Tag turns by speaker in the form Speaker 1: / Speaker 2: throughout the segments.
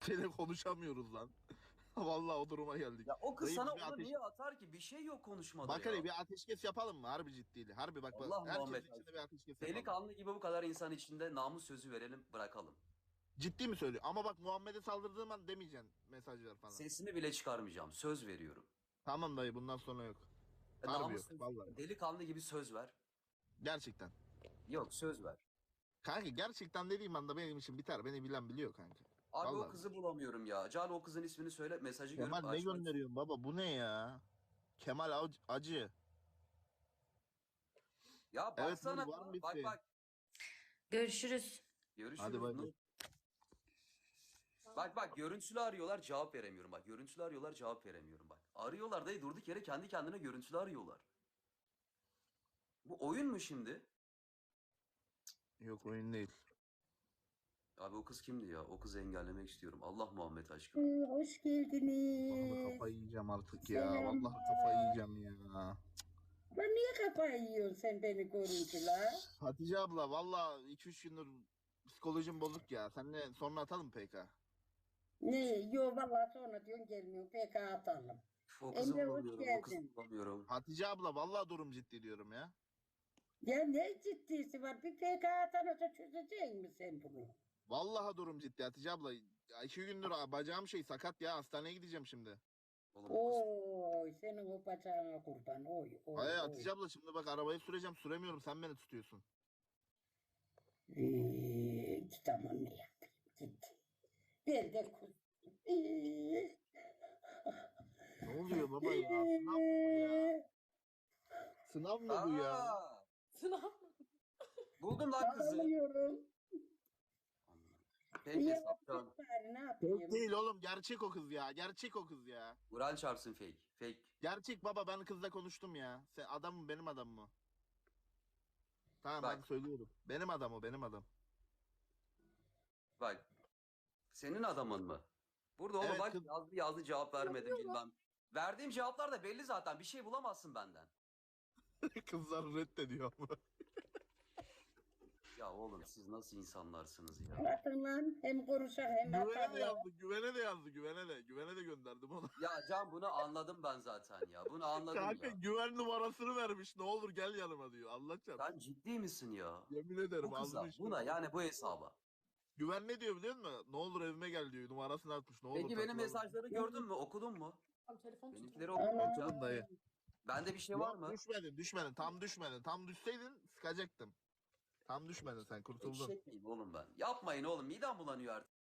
Speaker 1: Seni konuşamıyoruz lan. Vallahi o duruma geldik.
Speaker 2: Ya o kız
Speaker 1: Dayı,
Speaker 2: sana
Speaker 1: biz bir
Speaker 2: onu
Speaker 1: ateş...
Speaker 2: niye atar ki? Bir şey yok konuşmada
Speaker 1: Bak
Speaker 2: ya.
Speaker 1: hele bir ateşkes yapalım mı? Harbi ciddiydi. Harbi bak bak.
Speaker 2: Allah
Speaker 1: Herkesin
Speaker 2: Muhammed
Speaker 1: içinde
Speaker 2: aşkına.
Speaker 1: bir ateşkes yapalım.
Speaker 2: Delikanlı gibi bu kadar insan içinde namus sözü verelim, bırakalım.
Speaker 1: Ciddi mi söylüyor? Ama bak Muhammed'e saldırdığım an demeyeceksin mesajlar falan.
Speaker 2: Sesimi bile çıkarmayacağım. Söz veriyorum.
Speaker 1: Tamam dayı, bundan sonra yok. Harbi
Speaker 2: Namus
Speaker 1: yok.
Speaker 2: sözü,
Speaker 1: Vallahi.
Speaker 2: delikanlı gibi söz ver.
Speaker 1: Gerçekten.
Speaker 2: Yok, söz ver.
Speaker 1: Kanka gerçekten dediğim anda benim için biter. Beni bilen biliyor kanka.
Speaker 2: Abi o
Speaker 1: Vallahi.
Speaker 2: kızı bulamıyorum ya. Can o kızın ismini söyle, mesajı
Speaker 1: Kemal
Speaker 2: görüp
Speaker 1: ne
Speaker 2: açmak.
Speaker 1: gönderiyorsun baba? Bu ne ya? Kemal Acı.
Speaker 2: Ya
Speaker 1: Evet
Speaker 2: baksana,
Speaker 1: Nur, var mı bir
Speaker 2: bak
Speaker 1: şey?
Speaker 2: bak.
Speaker 3: Görüşürüz.
Speaker 1: Hadi
Speaker 2: Görüşürüz
Speaker 1: bay bay.
Speaker 2: Nur. Bak bak, görüntülü arıyorlar, cevap veremiyorum bak. Görüntülü arıyorlar, cevap veremiyorum bak. Arıyorlar dayı, durduk yere kendi kendine görüntülü arıyorlar. Bu oyun mu şimdi?
Speaker 1: Yok, oyun değil.
Speaker 2: Abi o kız kimdi ya? O kızı engellemek istiyorum. Allah Muhammed aşkına.
Speaker 4: Hoş
Speaker 1: Vallahi
Speaker 4: geldiniz.
Speaker 1: kafayı yiyeceğim artık ya.
Speaker 4: Selam.
Speaker 1: Vallahi kafayı yiyeceğim ya.
Speaker 4: Ben niye kafayı yiyorsun sen beni görünce la?
Speaker 1: Hatice abla vallahi 2-3 gündür psikolojim bozuk ya. Seninle sonra atalım PK.
Speaker 4: Ne? Yo vallahi sonra diyorsun gelmiyor. PK atalım.
Speaker 2: O kızı
Speaker 4: Emre hoş
Speaker 2: bulamıyorum, o kızı
Speaker 4: geldin.
Speaker 2: bulamıyorum.
Speaker 1: Hatice abla vallahi durum ciddi diyorum ya.
Speaker 4: Ya ne ciddisi var? Bir PK atanca çözecek mi sen bunu?
Speaker 1: Vallahi durum ciddi Hatice abla. Ya 2 gündür bacağım sakat ya. Hastaneye gideceğim şimdi.
Speaker 2: Oğlum o kız.
Speaker 4: Oy senin o bacağına kurban. Oy oy
Speaker 1: Hayır
Speaker 4: oy.
Speaker 1: Hatice abla, şimdi bak arabayı süreceğim. Süremiyorum, sen beni tutuyorsun.
Speaker 4: Tamam ne yapayım? Ciddi. Ben de kuz.
Speaker 1: Ne oluyor baba ya? Sınav mı bu ya? Sınav mı bu ya?
Speaker 2: Aa,
Speaker 3: Sınav.
Speaker 2: buldum lan kızı.
Speaker 4: Ağlıyorum.
Speaker 2: Peki
Speaker 4: Niye
Speaker 2: saptan.
Speaker 4: vakit bari ne
Speaker 1: Fake
Speaker 4: yapayım?
Speaker 1: değil oğlum, gerçek o kız ya. Gerçek o kız ya.
Speaker 2: Kur'an çarpsın fake. Fake.
Speaker 1: Gerçek baba, ben kızla konuştum ya. Sen adam mı, benim adam mı? Tamam
Speaker 2: Bak.
Speaker 1: hadi söylüyorum. Benim adam o, benim adam.
Speaker 2: Bak. Senin adamın mı? Burada oğlum
Speaker 1: Evet,
Speaker 2: bak,
Speaker 1: kız-
Speaker 2: yazdı cevap vermedim bilmem. Verdiğim cevaplar da belli zaten. Bir şey bulamazsın benden.
Speaker 1: Kızlar reddediyor ama.
Speaker 2: Ya oğlum siz nasıl insanlarsınız ya?
Speaker 4: Atın lan hem konuşak hem
Speaker 1: Güvene de
Speaker 4: atarlar.
Speaker 1: yazdı, güvene de yazdı, güvene de. Güvene de gönderdim ona.
Speaker 2: Ya Can, bunu anladım ben zaten ya. Bunu anladım
Speaker 1: Kanka
Speaker 2: ya.
Speaker 1: güven numarasını vermiş. Ne olur gel yanıma diyor. Allah çarpsın.
Speaker 2: Sen ciddi misin ya?
Speaker 1: Yemin ederim
Speaker 2: Bu kıza,
Speaker 1: ağzını
Speaker 2: buna yani bu hesaba.
Speaker 1: Güven ne diyor biliyor musun? Ne olur evime gel diyor. Numarasını atmış. Ne olur
Speaker 2: Peki benim
Speaker 1: takılalım.
Speaker 2: mesajları gördün mü? Okudun mu?
Speaker 3: Tamam, telefon tut.
Speaker 2: Benimkileri okudun mu
Speaker 1: Okudum
Speaker 2: Can?
Speaker 1: dayı.
Speaker 2: Bende bir şey var
Speaker 1: Yok,
Speaker 2: mı?
Speaker 1: düşmedin. Tam düşmedin. Tam düşseydin sıkacaktım. Tam düşmedin, sen kurtuldun.
Speaker 2: Eşek miyim oğlum ben? Yapmayın oğlum, midem bulanıyor artık.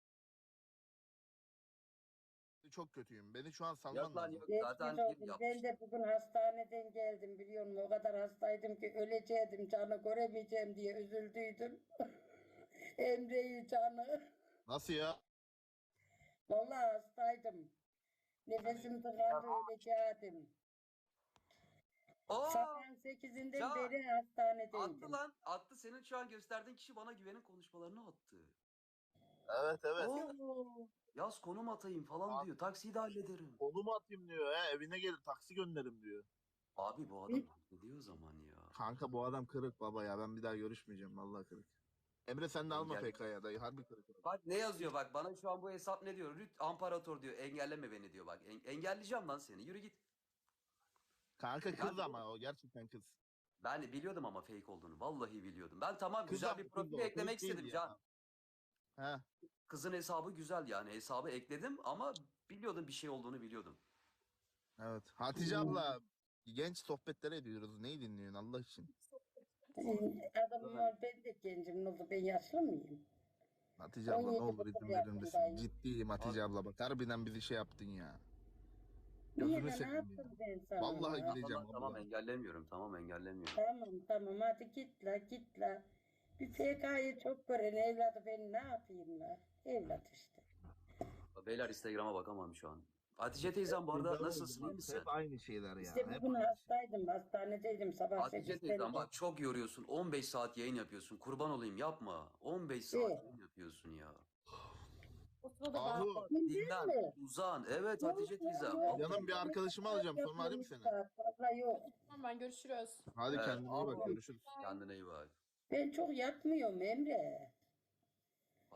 Speaker 1: Çok kötüyüm. Beni şu an salman
Speaker 2: Yok lan
Speaker 1: lazım.
Speaker 2: yok,
Speaker 4: Geçmiş
Speaker 2: zaten
Speaker 4: olsun.
Speaker 2: bir
Speaker 4: Ben
Speaker 2: yapmış.
Speaker 4: de bugün hastaneden geldim biliyor musun? O kadar hastaydım ki öleceğim, canı göremeyeceğim diye üzüldüydüm. Emre'yi canı.
Speaker 1: Nasıl ya?
Speaker 4: Vallahi hastaydım. Nefesim tıkandı öleceğim.
Speaker 2: Aa,
Speaker 4: Sabahın 8'inden
Speaker 2: Can,
Speaker 4: beri
Speaker 2: attı
Speaker 4: hastanedeydim.
Speaker 2: lan. Attı, senin şu an gösterdiğin kişi bana güvenin konuşmalarını attı.
Speaker 1: Evet evet.
Speaker 2: Oo, yaz konum atayım falan diyor. Taksiyi de hallederim.
Speaker 1: Konumu atayım diyor ya. Evine gelin taksi gönderim diyor.
Speaker 2: Abi bu adam ne diyor o zaman ya?
Speaker 1: Kanka bu adam kırık baba ya. Ben bir daha görüşmeyeceğim. Vallahi kırık. Emre sen de alma
Speaker 2: Engel-
Speaker 1: PK'ya dayı. Harbi kırık.
Speaker 2: Bak ne yazıyor bak, bana şu an bu hesap ne diyor? Rüt Amparator diyor, engelleme beni diyor bak. Engelleyeceğim lan seni, yürü git.
Speaker 1: Kanka kız
Speaker 2: Ben-
Speaker 1: ama o gerçekten kız.
Speaker 2: Ben de biliyordum ama fake olduğunu. Vallahi biliyordum. Ben tamam,
Speaker 1: Kız
Speaker 2: güzel
Speaker 1: ama
Speaker 2: bir
Speaker 1: kız
Speaker 2: profil
Speaker 1: o, fake
Speaker 2: eklemek
Speaker 1: değil
Speaker 2: istedim
Speaker 1: ya.
Speaker 2: Can.
Speaker 1: He.
Speaker 2: Kızın hesabı güzel yani. Hesabı ekledim ama biliyordum, bir şey olduğunu biliyordum.
Speaker 1: Evet. Hatice abla genç sohbetler ediyoruz. Neyi dinliyorsun Allah için?
Speaker 4: Adamım var, ben de gencim. Ne oldu, ben yaşlı mıyım?
Speaker 1: Hatice abla ne
Speaker 4: 17
Speaker 1: olur
Speaker 4: buçuk
Speaker 1: izin verir misin?
Speaker 4: yaşındayım.
Speaker 1: Ciddiyim Hatice
Speaker 2: Abi-
Speaker 1: abla bak. Harbiden bizi şey yaptın ya.
Speaker 4: Niye
Speaker 1: Gözünü
Speaker 4: lan, ne
Speaker 1: seveyim ya.
Speaker 4: yaptım ben sana?
Speaker 1: Vallahi
Speaker 2: Tamam,
Speaker 1: gideceğim
Speaker 2: tamam
Speaker 1: abla.
Speaker 2: engellemiyorum. Tamam engellemiyorum.
Speaker 4: Tamam hadi git la git la. Bir PK'yı çok gören evladı ben ne yapayım la? Evlat işte.
Speaker 2: Beyler Instagram'a bakamam şu an. Hatice teyzem bu arada nasılsın, iyi misin?
Speaker 1: Hep aynı şeyler ya.
Speaker 4: İşte
Speaker 1: Hep
Speaker 4: bugün
Speaker 1: aynı.
Speaker 4: hastaydım, hastanedeydim sabah
Speaker 2: Hatice
Speaker 4: 8'den
Speaker 2: teyzem bak, çok yoruyorsun. 15 saat yayın yapıyorsun. Kurban olayım, yapma. 15 saat
Speaker 4: Evet.
Speaker 2: yayın yapıyorsun ya.
Speaker 3: O sırada ben
Speaker 1: Ahu
Speaker 2: Dinlen,
Speaker 4: mi?
Speaker 2: uzan. Evet Hatice teyzem.
Speaker 4: Yok.
Speaker 1: yanım bir arkadaşımı alacağım sonra arayayım seni.
Speaker 4: Valla yok.
Speaker 3: tamam, ben görüşürüz.
Speaker 1: Hadi
Speaker 2: Evet,
Speaker 1: kendine iyi bak,
Speaker 2: Ahu.
Speaker 1: görüşürüz.
Speaker 2: Kendine iyi bak.
Speaker 4: Ben çok yatmıyorum Emre.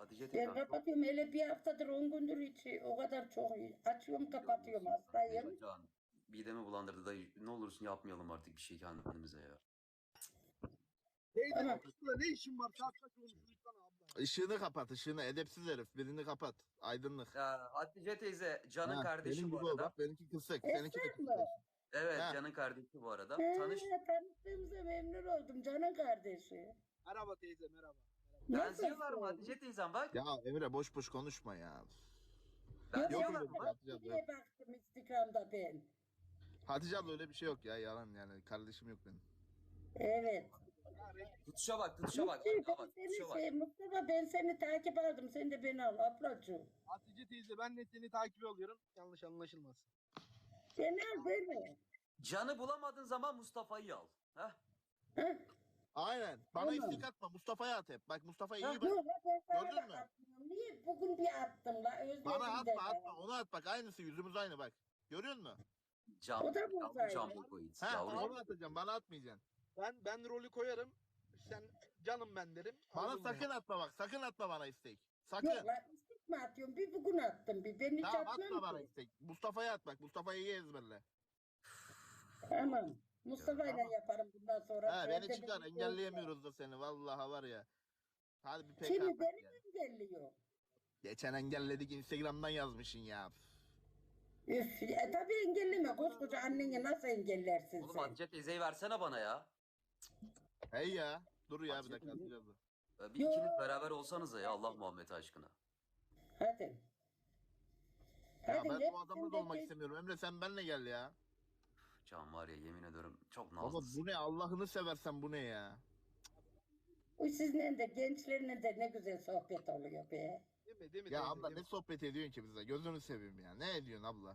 Speaker 2: Hatice
Speaker 4: Ben
Speaker 2: teyzem çok...
Speaker 4: kapatıyorum hele bir haftadır 10 gündür hiç o kadar çok açıyorum kapatıyorum hastayım.
Speaker 2: Can, midemi bulandırdı da ne olursun yapmayalım artık bir şey kendimize ya.
Speaker 1: Teyze
Speaker 4: Tamam.
Speaker 1: kapısında ne işin var? Saat kaç olmuş lütfen abla. Işığını kapat, ışığını. Edepsiz herif. Birini kapat. Aydınlık.
Speaker 2: Ya Hatice teyze Can'ın
Speaker 1: Ha,
Speaker 2: kardeşi
Speaker 1: benim
Speaker 2: bu
Speaker 1: gibi ol.
Speaker 2: arada.
Speaker 1: Bak benimki kısık. Seninki de
Speaker 4: Esra
Speaker 1: kısık.
Speaker 4: mı?
Speaker 2: Evet
Speaker 1: Ha.
Speaker 2: Can'ın kardeşi bu arada.
Speaker 4: Tanıştığımıza memnun oldum canın kardeşi.
Speaker 1: Merhaba teyze merhaba.
Speaker 2: Benziyorlar mı
Speaker 4: Nasılsın?
Speaker 2: Hatice teyzem bak.
Speaker 1: Ya Emre boş boş konuşma ya.
Speaker 2: Benziyorlar
Speaker 1: yok,
Speaker 2: mı?
Speaker 1: yok. Hatice abla
Speaker 4: Diye baktım Instagram'da ben.
Speaker 1: Hatice abla öyle bir şey yok ya. Yalan yani. Kardeşim yok benim.
Speaker 4: Evet.
Speaker 2: Tutuşa bak tutuşa bak.
Speaker 4: Mustafa,
Speaker 2: Bak
Speaker 4: ben
Speaker 2: tutuşa bak.
Speaker 4: Mustafa ben seni takip aldım. Sen de beni al ablacığım.
Speaker 5: Hatice teyze ben de seni takip alıyorum. Yanlış anlaşılmasın.
Speaker 4: Beni al beni.
Speaker 2: Can'ı bulamadığın zaman Mustafa'yı al. Heh.
Speaker 4: Heh.
Speaker 1: Aynen. Bana
Speaker 4: Tamam.
Speaker 1: istek atma. Mustafa'ya at hep. Bak Mustafa'ya iyi bak.
Speaker 4: Yok la ben sana
Speaker 1: Gördün
Speaker 4: da
Speaker 1: mü?
Speaker 4: atmıyorum. Niye bugün bir attım la özledim
Speaker 1: Bana
Speaker 4: de
Speaker 1: atma
Speaker 4: ya.
Speaker 1: atma. Onu at bak. Aynısı yüzümüz aynı bak. Görüyor musun?
Speaker 2: Cam.
Speaker 4: O da
Speaker 2: Yavru
Speaker 4: buradaydı.
Speaker 2: cam bu koyut.
Speaker 1: Ha
Speaker 2: Yavru
Speaker 1: onu atacağım. Bana atmayacaksın.
Speaker 5: Ben rolü koyarım. Sen canım ben derim.
Speaker 1: Bana
Speaker 5: Aldın
Speaker 1: sakın
Speaker 5: mı?
Speaker 1: atma bak. Sakın atma bana istek. Sakın.
Speaker 4: Yok la istek mi atıyorum? Bir bugün attım bir. Ben hiç
Speaker 1: Tamam atma
Speaker 4: atmam
Speaker 1: bana
Speaker 4: ki.
Speaker 1: istek. Mustafa'ya at bak. Mustafa'yı iyi ezberle.
Speaker 4: Tamam. Mustafa ile yaparım bundan sonra.
Speaker 1: Ha
Speaker 4: Ben
Speaker 1: beni
Speaker 4: de
Speaker 1: çıkar.
Speaker 4: bir-
Speaker 1: Engelleyemiyoruz da seni. Vallahi var ya. Hadi bir PK
Speaker 4: Kimi
Speaker 1: atak
Speaker 4: beni
Speaker 1: ya.
Speaker 4: mi engelliyor?
Speaker 1: Geçen engelledik. Instagram'dan yazmışsın ya.
Speaker 4: Üf, tabii engelleme. Koskoca anneni nasıl engellersin
Speaker 2: Oğlum
Speaker 4: sen?
Speaker 2: Hatice teyzeyi versene bana ya.
Speaker 1: Hey ya. Dur ya bir
Speaker 2: Hatice
Speaker 1: dakika.
Speaker 2: teyze-
Speaker 1: Hatice abla.
Speaker 2: Bir ikiniz beraber olsanız ya Allah Muhammed aşkına.
Speaker 4: Hadi.
Speaker 1: Ya
Speaker 4: Hadi
Speaker 1: ben
Speaker 4: hep
Speaker 1: bu adamla
Speaker 4: sen
Speaker 1: da olmak
Speaker 4: de-
Speaker 1: istemiyorum. Emre sen benle gel ya.
Speaker 2: Can var ya yemin ederim çok
Speaker 1: Baba
Speaker 2: nazlısın.
Speaker 1: bu ne? Allah'ını seversen bu ne ya?
Speaker 4: Bu sizinle de gençlerine de ne güzel sohbet oluyor be.
Speaker 5: Değil mi
Speaker 1: Ya
Speaker 5: teyze,
Speaker 1: abla
Speaker 5: değil
Speaker 1: ne
Speaker 5: mi?
Speaker 1: sohbet ediyorsun ki bize? Gözünü seveyim ya. Ne ediyorsun abla?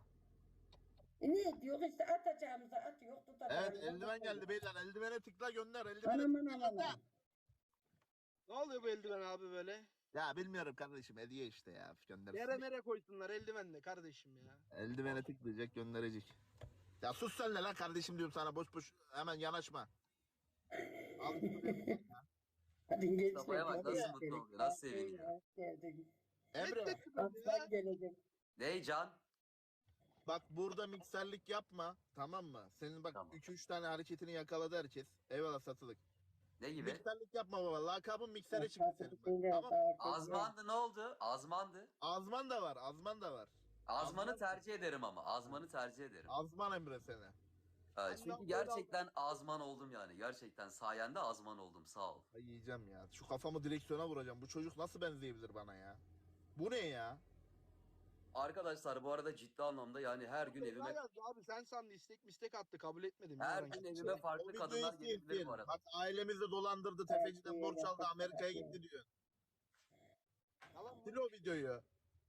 Speaker 4: Ne diyor işte atacağımıza atıyor tutacağımıza
Speaker 1: Evet eldiven
Speaker 4: tutuyor.
Speaker 1: geldi beyler. Eldivene tıkla gönder. Eldivene
Speaker 4: Anam
Speaker 1: tıkla
Speaker 4: anam
Speaker 1: gönder.
Speaker 4: anam.
Speaker 5: Ne oluyor bu eldiven abi böyle?
Speaker 1: Ya bilmiyorum kardeşim. Hediye işte ya. Göndersin.
Speaker 5: Yere mere koysunlar eldivenle kardeşim ya.
Speaker 1: Eldivene tıklayacak gönderecek. Ya sus sen de lan kardeşim diyorum sana. Boş boş hemen yanaşma. Al şunu bir-
Speaker 4: Hadi gençler.
Speaker 2: Mustafa'ya bak,
Speaker 4: hadi
Speaker 2: nasıl
Speaker 4: ya.
Speaker 2: mutlu oluyor, nasıl seviniyor.
Speaker 4: Hoş geldin.
Speaker 1: Emre
Speaker 4: Aslan gelecek.
Speaker 2: Ney Can?
Speaker 1: bak burada mikserlik yapma. Tamam mı? Senin bak
Speaker 2: Tamam.
Speaker 1: 2-3 tane hareketini yakaladı herkes. Eyvallah satılık.
Speaker 2: Ne gibi?
Speaker 1: Mikserlik yapma baba. Lakabın miksere çıktı
Speaker 4: Aslan
Speaker 1: senin.
Speaker 4: söyle,
Speaker 1: Bak. Tamam.
Speaker 4: sağ ol,
Speaker 2: Azmandı ne oldu? Azmandı.
Speaker 1: Azman da var. Azman da var.
Speaker 2: Azmanı tercih ederim ama. Azmanı tercih ederim.
Speaker 1: Azman Emre seni.
Speaker 2: Çünkü
Speaker 5: Annem
Speaker 2: gerçekten azman oldum yani. Gerçekten sayende azman oldum. Sağ ol.
Speaker 1: Ay yiyeceğim ya. Şu kafamı direksiyona vuracağım. Bu çocuk nasıl benzeyebilir bana ya? Bu ne ya?
Speaker 2: Arkadaşlar bu arada ciddi anlamda yani her gün evime
Speaker 5: Abi sen sandı istek mistek attı kabul etmedim.
Speaker 2: her
Speaker 5: ya ben.
Speaker 2: gün evime
Speaker 1: O
Speaker 2: farklı
Speaker 1: videoyu
Speaker 2: kadınlar gelebilir
Speaker 1: izleyin.
Speaker 2: bu arada.
Speaker 1: Bak ailemizi dolandırdı.
Speaker 4: Evet,
Speaker 1: Tefeciden borç aldı.
Speaker 4: evet,
Speaker 1: Amerika'ya
Speaker 4: evet.
Speaker 1: gitti diyor.
Speaker 5: Yalan mı?
Speaker 1: Sil o videoyu.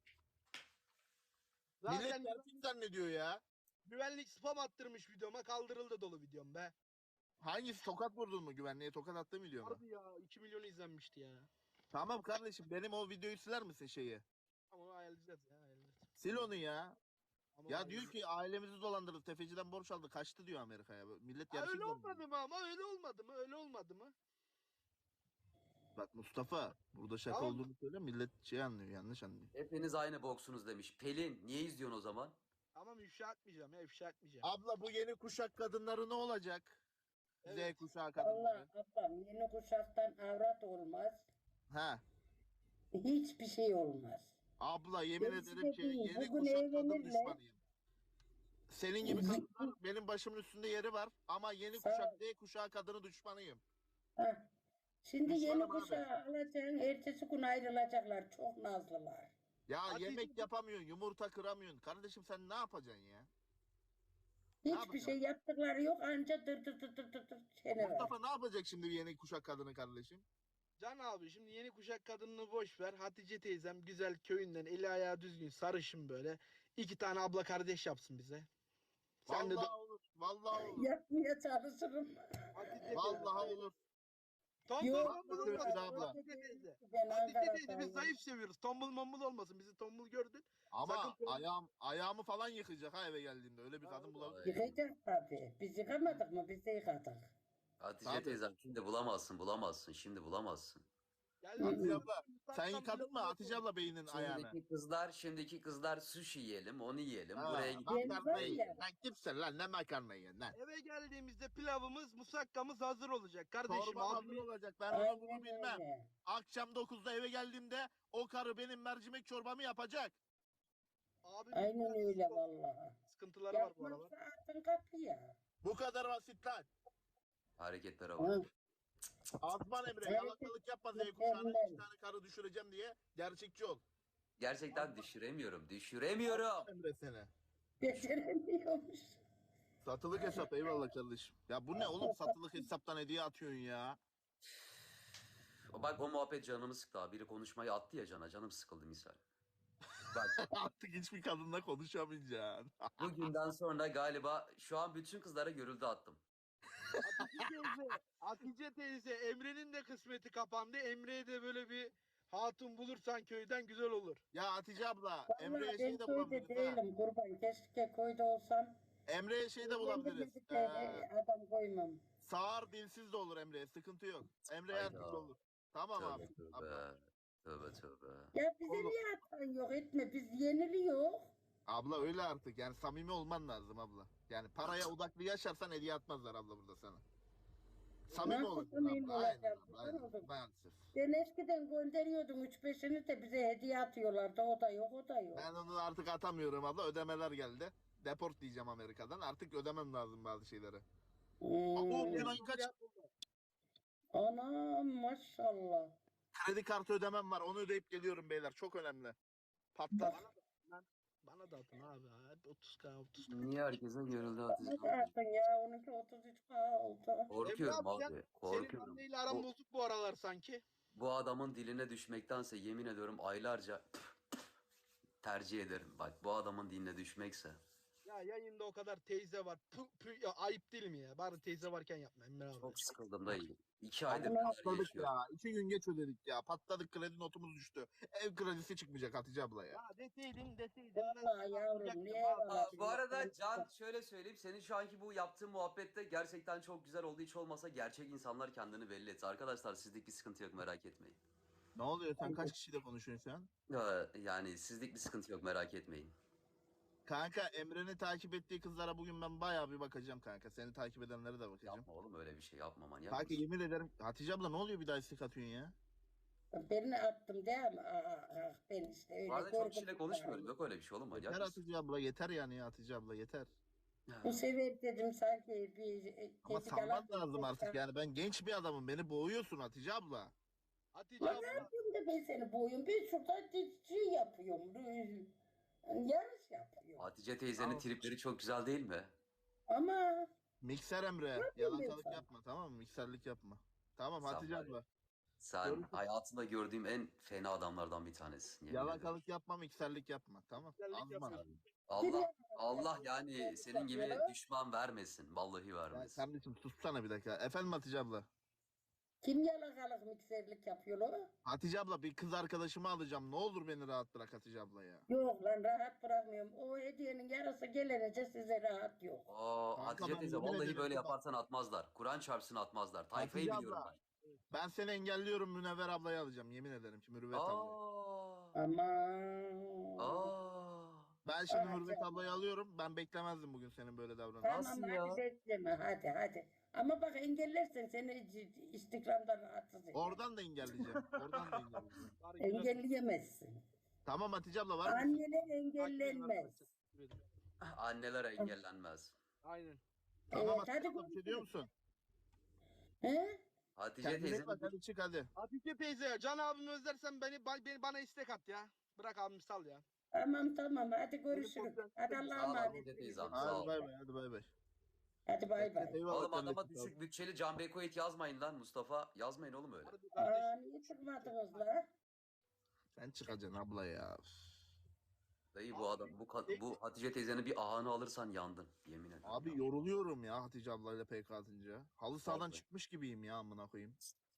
Speaker 1: Millet
Speaker 5: Zaten
Speaker 1: gerçek zannediyor ya.
Speaker 5: güvenlik spam attırmış videoma kaldırıldı dolu videom be.
Speaker 1: Hangisi tokat vurdun mu güvenliğe tokat attı mı diyor mu?
Speaker 5: Harbi ya 2 milyon izlenmişti ya.
Speaker 1: Tamam kardeşim benim o videoyu siler misin şeyi?
Speaker 5: Ama ayarlayacağız ya ayarlayacağız.
Speaker 1: Sil onu ya.
Speaker 5: Ama
Speaker 1: Ya
Speaker 5: ayarlayacağız.
Speaker 1: diyor ki ailemizi dolandırdı. Tefeciden borç aldı. Kaçtı diyor Amerika'ya. Millet
Speaker 5: Ha,
Speaker 1: gerçek
Speaker 5: öyle
Speaker 1: zannediyor.
Speaker 5: olmadı mı ama öyle olmadı mı öyle olmadı mı?
Speaker 1: Bak Mustafa burada şaka
Speaker 5: Tamam.
Speaker 1: olduğunu söyle millet şey anlıyor yanlış anlıyor.
Speaker 2: Hepiniz aynı boksunuz demiş. Pelin niye izliyorsun o zaman?
Speaker 5: Tamam ifşa etmeyeceğim ya ifşa etmeyeceğim.
Speaker 1: Abla bu yeni kuşak kadınları ne olacak?
Speaker 5: Evet.
Speaker 1: Z kuşağı kadınları.
Speaker 4: Allah ablam yeni kuşaktan avrat olmaz.
Speaker 1: Ha.
Speaker 4: Hiçbir şey olmaz.
Speaker 1: Abla yemin
Speaker 4: Gerisi
Speaker 1: ederim
Speaker 4: de
Speaker 1: ki
Speaker 4: değil.
Speaker 1: yeni
Speaker 4: Bugün
Speaker 1: kuşak kadın
Speaker 4: evlenirler.
Speaker 1: düşmanıyım. Senin gibi kadınlar benim başımın üstünde yeri var ama yeni
Speaker 4: Sağ ol.
Speaker 1: kuşak Z kuşağı kadını düşmanıyım.
Speaker 4: Hah. Şimdi
Speaker 1: Düşmanım
Speaker 4: yeni
Speaker 1: abi.
Speaker 4: kuşağı alacaksın, ertesi gün ayrılacaklar. Çok nazlılar.
Speaker 1: Ya
Speaker 5: Hadi
Speaker 1: yemek
Speaker 5: şimdi-
Speaker 1: yapamıyorsun, yumurta kıramıyorsun. Kardeşim sen ne yapacaksın ya?
Speaker 4: Hiçbir
Speaker 1: yapacaksın?
Speaker 4: şey yaptıkları yok anca dır dır dır dır dır dır çene var.
Speaker 1: Mustafa ne yapacak şimdi yeni kuşak kadını kardeşim?
Speaker 5: Can abi şimdi yeni kuşak kadınını boş ver. Hatice teyzem güzel köyünden eli ayağı düzgün sarışın böyle. 2 tane abla kardeş yapsın bize. Sen de
Speaker 1: Vallahi olur, vallahi olur.
Speaker 4: Yapmaya çalışırım.
Speaker 5: Hatice
Speaker 1: Vallahi olur.
Speaker 5: Tombul
Speaker 4: Yok,
Speaker 5: mombul
Speaker 1: yok,
Speaker 5: olmasın
Speaker 1: abla.
Speaker 5: Hatice teyze.
Speaker 4: Ben
Speaker 5: Hatice teyze biz
Speaker 4: Ankara'dayım.
Speaker 5: zayıf seviyoruz. Tombul mombul olmasın. Bizi tombul gördün.
Speaker 1: Ama
Speaker 5: Sakın-
Speaker 1: ayağımı falan yıkayacak ha eve geldiğimde. Öyle bir kadın bulabilir.
Speaker 4: Yıkayacak tabii. Biz yıkamadık mı? Biz de yıkadık.
Speaker 2: Hatice
Speaker 1: Tabii.
Speaker 2: teyzem şimdi bulamazsın bulamazsın şimdi bulamazsın.
Speaker 5: Geldi.
Speaker 1: Hatice abla Sen yıkadın mı Hatice abla beynin ayağını?
Speaker 2: Şimdiki kızlar sushi yiyelim, onu yiyelim,
Speaker 1: Ha,
Speaker 2: buraya gidelim.
Speaker 4: Ben
Speaker 1: makarna
Speaker 4: var
Speaker 1: yiyin.
Speaker 4: ya.
Speaker 1: Lan kimsin lan, ne makarna yiyin lan?
Speaker 5: Eve geldiğimizde pilavımız, musakkamız hazır olacak. Kardeşim
Speaker 1: Çorba hazır
Speaker 5: abimi
Speaker 1: olacak, ben onu bunu
Speaker 4: Aynen
Speaker 1: bilmem.
Speaker 4: öyle.
Speaker 1: Akşam 9'da eve geldiğimde o karı benim mercimek çorbamı yapacak.
Speaker 5: abimin
Speaker 4: Aynen
Speaker 5: biraz
Speaker 4: öyle vallahi.
Speaker 5: sıkıntıları var bu aralar.
Speaker 4: Yapmazsa atın kapıya.
Speaker 1: Bu kadar basit lan.
Speaker 2: Hareketlere bak.
Speaker 4: Hı.
Speaker 1: Azman Emre,
Speaker 4: Evet.
Speaker 1: yalakalık yapma Z kuşağına 2 tane karı düşüreceğim diye. Gerçekçi ol.
Speaker 2: Gerçekten düşüremiyorum.
Speaker 1: Emre seni.
Speaker 4: Beceremiyormuş.
Speaker 1: Satılık hesap, eyvallah kardeşim. Ya bu ne oğlum, satılık hesaptan hediye atıyorsun ya.
Speaker 2: Bak o muhabbet canımı sıktı abi. Biri konuşmayı attı ya canım sıkıldı misal. Bak
Speaker 1: Artık hiçbir kadınla konuşamayacaksın.
Speaker 2: bugünden sonra galiba şu an bütün kızlara görüldü attım.
Speaker 5: Hatice teyze, Emre'nin de kısmeti kapandı. Emre'ye de böyle bir hatun bulursan köyden güzel olur.
Speaker 1: Ya Hatice abla,
Speaker 4: Vallahi
Speaker 1: Emre'ye
Speaker 4: ben
Speaker 1: şey de
Speaker 4: köyde
Speaker 1: bulabiliriz ha.
Speaker 4: değilim kurban. Keşke köyde olsam.
Speaker 1: Emre'ye şey de
Speaker 4: Ben
Speaker 1: bulabiliriz.
Speaker 4: bir tane adam koymam.
Speaker 1: Sağır dilsiz de olur Emre'ye, sıkıntı yok. Emre her
Speaker 2: Hayda.
Speaker 1: türlü olur. Tamam
Speaker 2: Tövbe
Speaker 1: abi.
Speaker 2: tövbe.
Speaker 1: Abla.
Speaker 2: Tövbe.
Speaker 4: Ya bize
Speaker 1: Oğlum.
Speaker 4: niye atan yok etme. Biz yeniliyor.
Speaker 1: Abla öyle artık, yani samimi olman lazım abla. Yani paraya odaklı yaşarsan hediye atmazlar abla burada sana. Samimi
Speaker 4: Nasıl
Speaker 1: olacaksın
Speaker 4: samimi
Speaker 1: abla. Aynen
Speaker 4: olacağım?
Speaker 1: abla, aynen.
Speaker 4: Oğlum.
Speaker 1: Maalesef.
Speaker 4: Ben eskiden gönderiyordum 3-5'ini de bize hediye atıyorlardı. O da yok, o da yok.
Speaker 1: Ben onu artık atamıyorum abla, ödemeler geldi. Deport diyeceğim Amerika'dan, artık ödemem lazım bazı şeyleri. O
Speaker 4: Hmm.
Speaker 1: gün ayın kaç?
Speaker 4: Anam maşallah.
Speaker 1: Kredi kartı ödemem var, onu ödeyip geliyorum beyler, çok önemli. Patlar.
Speaker 5: Bana da atın abi. Hep 30K 30K.
Speaker 2: Niye herkese görüldü Hatice?
Speaker 4: Ne zaten ya onunki 33K oldu.
Speaker 2: Korkuyorum
Speaker 5: Emre abi,
Speaker 2: abi.
Speaker 5: Senin
Speaker 2: Korkuyorum.
Speaker 5: anneyle aran bozuk bu aralar sanki.
Speaker 2: Bu adamın diline düşmektense yemin ediyorum aylarca tercih ederim. Bak bu adamın diline düşmekse.
Speaker 5: Ya yayında o kadar teyze var. Ya, ayıp değil mi ya? Bari teyze varken yapma Emre abi.
Speaker 2: Çok sıkıldım da iyi. 2 aydır
Speaker 4: Ama
Speaker 2: neler
Speaker 1: Patladık
Speaker 2: yaşıyorum.
Speaker 1: ya. 2 gün geç ödedik ya. Patladık, kredi notumuz düştü. Ev kredisi çıkmayacak Hatice abla ya.
Speaker 5: Ya deseydin.
Speaker 4: Vallahi yavrum niye
Speaker 2: Bu arada Can şöyle söyleyeyim. Senin şu anki bu yaptığın muhabbette gerçekten çok güzel oldu. Hiç olmasa gerçek insanlar kendini belli etti. Arkadaşlar sizlik bir sıkıntı yok merak etmeyin.
Speaker 1: Ne oluyor, sen kaç kişiyle konuşuyorsun şu an?
Speaker 2: Yani sizlik bir sıkıntı yok merak etmeyin.
Speaker 1: Kanka Emre'ni takip ettiği kızlara bugün ben bayağı bir bakacağım kanka. Seni takip edenlere de bakacağım.
Speaker 2: Yapma oğlum öyle bir şey yapma manyak
Speaker 1: Kanka
Speaker 2: mısın?
Speaker 1: yemin ederim. Hatice abla ne oluyor bir daha istek atıyorsun ya?
Speaker 4: Birini attım değil mi? Ben işte öyle
Speaker 2: Bu arada çok
Speaker 4: korkup-
Speaker 2: kişiyle konuşmuyorum. Yok öyle bir şey oğlum manyak
Speaker 1: Yeter
Speaker 2: mısın?
Speaker 1: Hatice abla, yeter yani ya Hatice abla, yeter.
Speaker 4: Bu sefer dedim sanki bir
Speaker 1: Ama
Speaker 4: ezik
Speaker 1: salman
Speaker 4: alan-
Speaker 1: lazım artık yani, ben genç bir adamım, beni boğuyorsun Hatice abla.
Speaker 5: Hatice
Speaker 4: Lan ne
Speaker 5: abla.
Speaker 4: yapayım da ben seni boyum? Ben şurada şey yapıyorum. Yarış yapıyorum.
Speaker 2: Hatice teyzenin
Speaker 1: Tamam.
Speaker 2: tripleri çok güzel değil mi?
Speaker 4: Ama
Speaker 1: Mikser Emre,
Speaker 4: yapayım
Speaker 1: yalakalık
Speaker 4: ben
Speaker 1: yapma tamam mı? Mikserlik yapma. Tamam
Speaker 2: Sen
Speaker 1: Hatice
Speaker 2: var ya.
Speaker 1: abla.
Speaker 2: Sen
Speaker 1: Görüşürüz.
Speaker 2: hayatımda gördüğüm en fena adamlardan bir tanesisin. yemin ederim.
Speaker 1: Yalakalık yapma, mikserlik yapma. Tamam.
Speaker 5: Mikserlik
Speaker 1: Azman.
Speaker 5: yapma.
Speaker 2: Allah yani senin gibi
Speaker 4: Ya.
Speaker 2: düşman vermesin. Vallahi
Speaker 1: Ya
Speaker 2: vermesin.
Speaker 1: kardeşim sussana bir dakika. Efendim Hatice abla.
Speaker 4: kim yalakalık mikserlik yapıyor o?
Speaker 1: Hatice abla, bir kız arkadaşımı alacağım. Ne olur beni rahat bırak Hatice abla ya.
Speaker 4: Yok lan rahat bırakmıyorum. O hediyenin yarısı gelince size rahat yok.
Speaker 2: Aa,
Speaker 1: Kanka
Speaker 2: Hatice
Speaker 1: ben
Speaker 2: teyze
Speaker 1: yemin
Speaker 2: vallahi
Speaker 1: ederim
Speaker 2: böyle
Speaker 1: bak.
Speaker 2: yaparsan atmazlar. Kur'an çarpsın atmazlar. Tayfayı
Speaker 1: Hatice
Speaker 2: biliyorum
Speaker 1: abla.
Speaker 2: ben.
Speaker 1: Ben seni engelliyorum, Münevver ablayı alacağım. Yemin ederim ki Mürüvvet ablayı.
Speaker 2: Aa.
Speaker 4: Aman.
Speaker 2: Aa.
Speaker 1: Ben şimdi
Speaker 4: Aa,
Speaker 1: Mürüvvet
Speaker 4: canım.
Speaker 1: ablayı alıyorum. Ben beklemezdim bugün senin böyle davranışını.
Speaker 4: Tamam
Speaker 2: Nasıl
Speaker 4: hadi
Speaker 2: ya?
Speaker 4: bekleme hadi. Ama bak engellersen seni Instagram'dan rahatsız eder.
Speaker 1: Oradan da engelleyeceğim. Oradan da engelleyeceğim.
Speaker 5: Bari güzel-
Speaker 4: Engelleyemezsin.
Speaker 1: Tamam Hatice abla, var mı?
Speaker 4: Anneler engellenmez.
Speaker 2: Anneler engellenmez.
Speaker 5: Aynen.
Speaker 1: Tamam
Speaker 4: Evet,
Speaker 1: Hatice
Speaker 4: hadi
Speaker 1: abla, bir şey diyor musun?
Speaker 4: He?
Speaker 2: Hatice
Speaker 1: Kendine iyi
Speaker 2: teyzenin
Speaker 1: bak, hadi çık hadi.
Speaker 5: Hatice teyze, Can abimi özlersen bana istek at ya. Bırak abimi sal ya.
Speaker 4: Tamam hadi görüşürüz. Hadi
Speaker 2: Sağ
Speaker 4: Allah'a
Speaker 2: ol
Speaker 4: emanet.
Speaker 2: Hatice
Speaker 4: olun.
Speaker 2: teyzem,
Speaker 1: Hadi
Speaker 2: sağ ol.
Speaker 1: bay bay, hadi bay bay.
Speaker 4: Hadi bay bay.
Speaker 1: Eyvallah
Speaker 2: Oğlum adama
Speaker 1: kardeşim, sağ ol.
Speaker 2: düşük bütçeli Can Bekoit yazmayın lan Mustafa. Yazmayın oğlum öyle.
Speaker 5: Hadi kardeş.
Speaker 4: Niye çıkmadınız la?
Speaker 1: Sen çıkacaksın abla ya.
Speaker 2: Dayı bu adam bu Hatice teyzenin bir ahını alırsan yandın yemin ederim.
Speaker 1: Abi
Speaker 2: ya.
Speaker 1: yoruluyorum ya Hatice ablayla PK atınca. Halı sahadan
Speaker 2: Vallahi.
Speaker 1: çıkmış gibiyim ya, amına koyayım.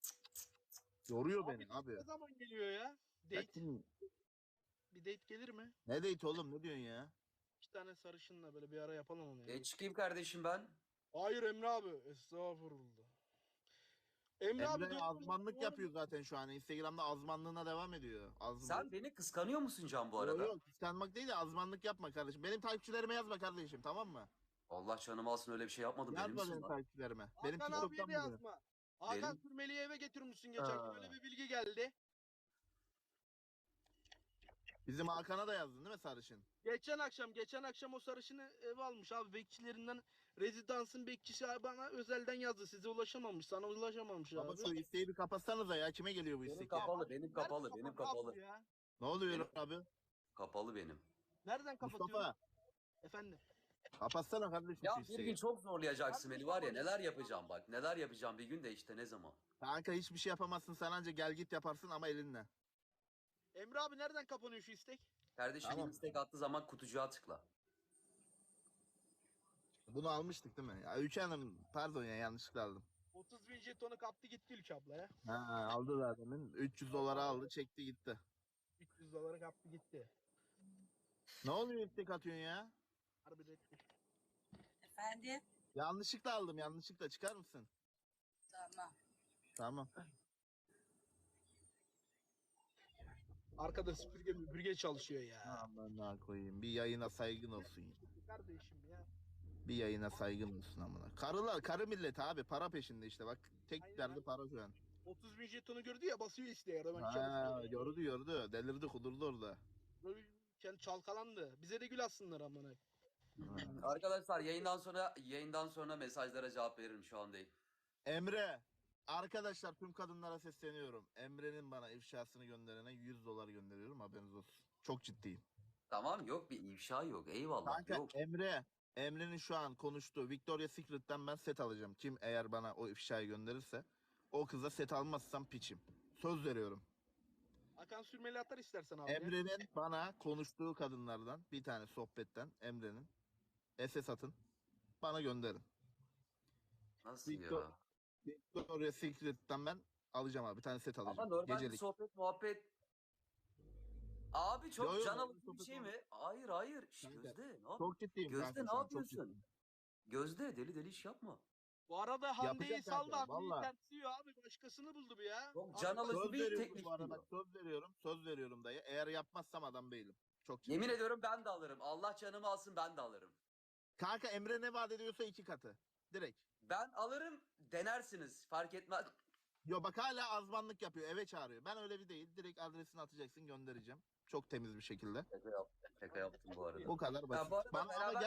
Speaker 1: Yoruyor beni abi.
Speaker 5: Ne zaman geliyor ya?
Speaker 1: Ya
Speaker 5: Date.
Speaker 1: kim-
Speaker 5: Bir date gelir mi?
Speaker 1: Ne date oğlum, ne diyorsun ya?
Speaker 5: 2 tane sarışınla böyle bir ara yapalım onu ya.
Speaker 2: Çıkayım kardeşim ben.
Speaker 5: Hayır Emre abi. Estağfurullah. Emre abi
Speaker 1: Emre
Speaker 5: doğru-
Speaker 1: azmanlık
Speaker 5: doğru-
Speaker 1: yapıyor zaten şu an. Instagram'da azmanlığına devam ediyor.
Speaker 2: Sen beni kıskanıyor musun Can bu arada?
Speaker 1: Yok yok, kıskanmak değil de azmanlık yapma kardeşim. Benim takipçilerime yazma kardeşim, tamam mı?
Speaker 2: Allah canımı alsın, öyle bir şey yapmadım. Benim
Speaker 1: Yazma
Speaker 2: misin
Speaker 1: benim
Speaker 2: lan?
Speaker 1: takipçilerime. Benim
Speaker 5: Hakan abiye
Speaker 1: TikTok'tan
Speaker 5: de
Speaker 1: buluyor.
Speaker 5: yazma. Hakan
Speaker 2: Benim-
Speaker 5: Sürmeli'yi eve getirmişsin geçen gün.
Speaker 1: Aa.
Speaker 5: Öyle bir bilgi geldi.
Speaker 1: Bizim Hakan'a da yazdın değil mi sarışın?
Speaker 5: Geçen akşam o sarışını eve almış abi. Bekçilerinden rezidansın bekçisi bana özelden yazdı. Size ulaşamamış. Sana ulaşamamış
Speaker 1: Baba
Speaker 5: abi.
Speaker 1: şu isteği bir kapatsanıza ya. Kime geliyor bu
Speaker 2: Benim
Speaker 1: istek?
Speaker 2: kapalı, benim kapalı,
Speaker 5: Nereden
Speaker 2: benim
Speaker 5: kapattı
Speaker 2: kapalı.
Speaker 5: ya?
Speaker 1: Ne oluyor
Speaker 2: Benim-
Speaker 1: abi?
Speaker 2: Kapalı benim.
Speaker 5: Nereden kapatıyor?
Speaker 1: Mustafa
Speaker 5: Efendim.
Speaker 1: kapatsana kardeşim
Speaker 2: Ya
Speaker 1: şu
Speaker 2: bir
Speaker 1: isteği.
Speaker 2: gün çok zorlayacaksın
Speaker 5: Abi,
Speaker 2: beni var ya,
Speaker 5: tamam.
Speaker 2: neler yapacağım bak. Neler yapacağım bir gün de işte ne zaman.
Speaker 1: Kanka hiçbir şey yapamazsın, sen anca gel git yaparsın ama elinle.
Speaker 5: Emre abi nereden kapanıyor şu istek?
Speaker 2: Kardeşim
Speaker 1: Tamam.
Speaker 2: istek attığı zaman kutucuğa tıkla.
Speaker 1: Bunu almıştık değil mi? Ya Ülke Hanım pardon ya, yanlışlıkla aldım.
Speaker 5: 30 bin jetonu kaptı gitti Ülke abla ya.
Speaker 1: Ha, aldı zaten. 300 dolara aldı, çekti gitti.
Speaker 5: 300 doları kaptı gitti.
Speaker 1: Ne oluyor istek atıyorsun ya?
Speaker 5: Harbi reddi.
Speaker 6: Efendim?
Speaker 1: Yanlışlıkla aldım, yanlışlıkla, çıkar mısın?
Speaker 6: Tamam.
Speaker 1: Tamam.
Speaker 5: Arkada süpürge çalışıyor ya.
Speaker 1: Amına koyayım. Bir yayına saygın olsun ya.
Speaker 5: Kardeşim ya.
Speaker 1: Bir yayına saygın olsun amına. Karılar, karı millet abi, para peşinde işte bak. Tek
Speaker 5: Aynen
Speaker 1: derdi
Speaker 5: abi.
Speaker 1: para şu an.
Speaker 5: 30 bin jetonu gördü ya basıyor isteğe. Hemen
Speaker 1: Ha,
Speaker 5: çalışıyor.
Speaker 1: gördü. Delirdi, kudurdu orada.
Speaker 5: Böyle kendi çalkalandı. Bize de gül atsınlar amına.
Speaker 2: Arkadaşlar yayından sonra mesajlara cevap veririm, şu an değil.
Speaker 1: Emre. Arkadaşlar tüm kadınlara sesleniyorum. Emre'nin bana ifşasını gönderene 100 dolar gönderiyorum, haberiniz olsun. Çok ciddiyim.
Speaker 2: Tamam, yok bir ifşa yok, eyvallah,
Speaker 1: Kanka
Speaker 2: yok.
Speaker 1: Emre'nin şu an konuştuğu Victoria's Secret'ten ben set alacağım. Kim eğer bana o ifşayı gönderirse o kıza set almazsam piçim. Söz veriyorum.
Speaker 5: Hakan Sürmeli atar istersen abi. ya.
Speaker 1: Emre'nin bana konuştuğu kadınlardan bir tane sohbetten Emre'nin SS atın. Bana gönderin.
Speaker 2: Nasıl
Speaker 1: Victor-
Speaker 2: ya?
Speaker 1: Victoria's Secret'ten ben alacağım abi. Bir tane set alacağım.
Speaker 2: Ama normal bir
Speaker 1: Gecelik.
Speaker 2: sohbet muhabbet. Abi çok
Speaker 1: Yo, yo,
Speaker 2: can
Speaker 1: normal
Speaker 2: alıcı bir
Speaker 1: sohbet
Speaker 2: şey
Speaker 1: muhabbet.
Speaker 2: mi? Hayır. Şş,
Speaker 1: Kanka,
Speaker 2: Gözde ne yap?
Speaker 1: Çok ciddiyim
Speaker 2: Gözde
Speaker 1: kanka
Speaker 2: ne
Speaker 1: şu an, çok
Speaker 2: yapıyorsun?
Speaker 1: ciddiyim.
Speaker 2: Gözde deli iş yapma.
Speaker 5: Bu arada Hande'yi
Speaker 1: Yapacağım
Speaker 5: saldı
Speaker 1: kanka,
Speaker 5: abi.
Speaker 1: valla.
Speaker 5: Tersiyor abi. Başkasını buldu bu ya.
Speaker 2: Çok
Speaker 5: Abi
Speaker 2: can
Speaker 5: bak-
Speaker 2: alıcı
Speaker 1: Söz
Speaker 2: bir
Speaker 1: veriyorum
Speaker 2: teklif
Speaker 1: bu arada,
Speaker 2: diyor.
Speaker 1: bak, söz veriyorum dayı. Eğer yapmazsam adam değilim. Çok ciddiyim.
Speaker 2: Yemin ediyorum ben de alırım. Allah canımı alsın, ben de alırım.
Speaker 1: Kanka Emre ne vaat ediyorsa 2 katı. Direkt.
Speaker 2: Ben alırım, denersiniz. Fark etmez.
Speaker 1: Yo bak hala azmanlık yapıyor, eve çağırıyor. Ben öyle bir değil. Direkt adresini atacaksın, göndereceğim. Çok temiz bir şekilde.
Speaker 2: Şaka yaptım bu arada.
Speaker 1: Bu kadar basit.
Speaker 2: bu arada
Speaker 1: Bana ama
Speaker 2: beraber